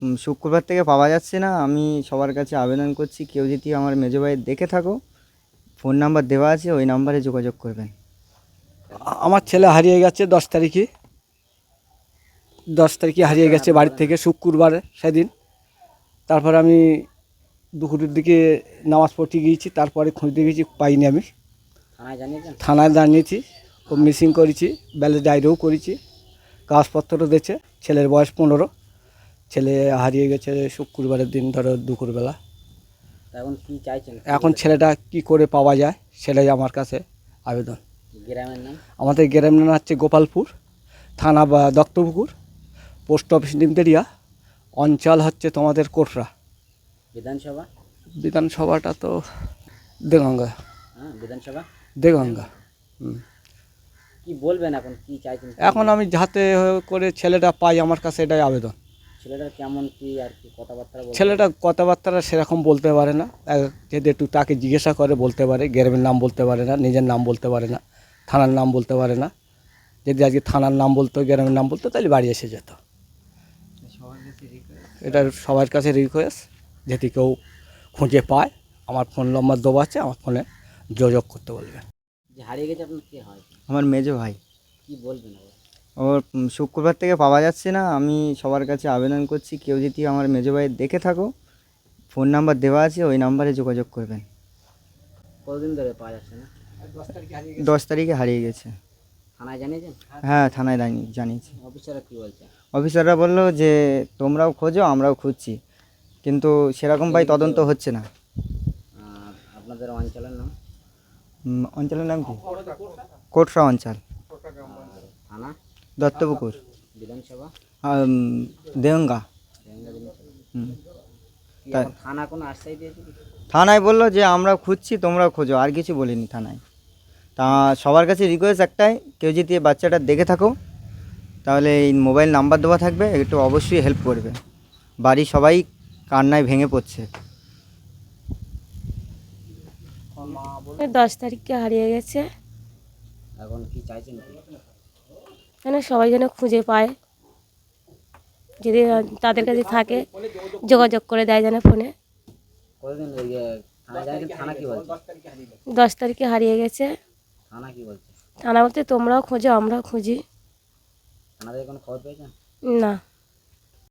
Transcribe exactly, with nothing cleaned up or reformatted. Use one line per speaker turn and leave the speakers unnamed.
উম, শুক্রবার থেকে পাওয়া যাচ্ছে না। আমি সবার কাছে আবেদন করছি, কেউ যদি আমার মেজো ভাইয়ের দেখে থাকো, ফোন নাম্বার দেওয়া আছে, ওই নাম্বারে যোগাযোগ করবেন।
আ- আমার ছেলে হারিয়ে গেছে দশ তারিখে দশ তারিখে হারিয়ে গেছে বাড়ি থেকে শুক্রবার সেদিন। তারপর আমি দুপুরের দিকে নামাজ পড়তে গিয়েছি, তারপরে খুঁজতে গেছি, পাইনি। আমি
থানায় জানিয়েছেন?
থানায় জানিয়েছি, ও মিসিং করেছি, ব্যালেন্স ডায়েরিও করেছি, কাগজপত্র দিয়েছে। ছেলের বয়স পনেরো, ছেলে হারিয়ে গেছে শুক্রবারের দিন, ধরো দুপুরবেলা।
তা এখন কি চাইছেন?
এখন ছেলেটা কি করে পাওয়া যায় সেটাই আমার কাছে আবেদন।
গ্রামের নাম?
আমাদের গ্রামের নাম হচ্ছে গোপালপুর, থানা বা দত্তপুকুর, পোস্ট অফিস নিমতেরিয়া, অঞ্চল হচ্ছে তোমাদের কোটরা।
বিধানসভা?
বিধানসভাটা তো দেগঙ্গা।
হ্যাঁ, বিধানসভা।
দেগঙ্গা হুম।
কি বলবেন এখন, কি চাইছেন?
এখন আমি যাতে করে ছেলেটা পাই, আমার কাছে এটাই আবেদন।
ছেলেটার কেমন কি আর কি কথাবার্তা বলতে?
ছেলেটা কথাবার্তা সেরকম বলতে পারে না, এক- যদি একটু তাকে জিজ্ঞাসা করে বলতে পারে। গ্রামের নাম বলতে পারে না, নিজের নাম বলতে পারে না, থানার নাম বলতে পারে না। যদি আজকে থানার নাম বলতো, গ্রামের নাম বলতো, তাহলে বাড়ি এসে যেত। এটা সবার কাছে রিকোয়েস্ট, যদি কেউ খুঁজে পায়, আমার ফোন নম্বর দেওয়া আছে, আমার ফোনে যোগাযোগ করতে বলবেন।
যে হারিয়ে গেছে আপনার কে হয়?
আমার মেজো ভাই।
কি বলবেন আবার?
ওর উম, শুক্রবার থেকে পাওয়া যাচ্ছে না। আমি সবার কাছে আবেদন করছি, কেউ যদি আমার মেজো ভাইয়ের দেখে থাকো, ফোন নাম্বার দেওয়া আছে, ওই নাম্বারে যোগাযোগ করবেন।
কতদিন ধরে পাওয়া যাচ্ছে না?
দশ তারিখে হারিয়ে গেছে।
থানায় জানিয়েছেন?
হ্যাঁ, থানায় জানি- জানিয়েছি।
অফিসাররা কি বলছে?
অফিসাররা বললো যে তোমরাও খোঁজো, আমরাও খুঁজছি, কিন্তু সেরকম ভাই তদন্ত হচ্ছে না।
আর আপনাদের অঞ্চলের নাম?
উম, অঞ্চলের নাম কি? কোটরা অঞ্চল,
থানা?
দত্তপুকুর,
বিধানসভা?
আম, দেগঙ্গা।
রেঙ্গা বিধানসভা।
হুম।
কি
তা-
এখন থানা কোনো আশ্বাস দিয়েছে কি?
থানায় বললো যে আমরা খুঁজছি, তোমরাও খোঁজো, আর কিছু বলিনি থানায়। তা সবার কাছে রিকোয়েস্ট একটাই, কেউ যদি এই বাচ্চাটা দেখে থাকো, তাহলে এই মোবাইল নাম্বার দেওয়া থাকবে, একটু অবশ্যই হেল্প করবে। বাড়ির সবাই কান্নায় ভেঙে পড়ছে।
দশ তারিখে হারিয়ে গেছে।
এখন কি চাইছেন কি?
যেন সবাই যেন খুঁজে পায়, যদি তাদের কাছে থাকে যোগাযোগ করে দেয় যেন ফোনে।
কতদিন ইয়ে থানায় জানিয়েছেন? থানা কি বলছে?
দশ তারিখে হারিয়ে গেছে।
থানা কি বলছে?
থানা বলতে তোমরাও খোঁজো, আমরাও খুঁজি।
থানা থেকে কোনো খবর পেয়েছেন?
না।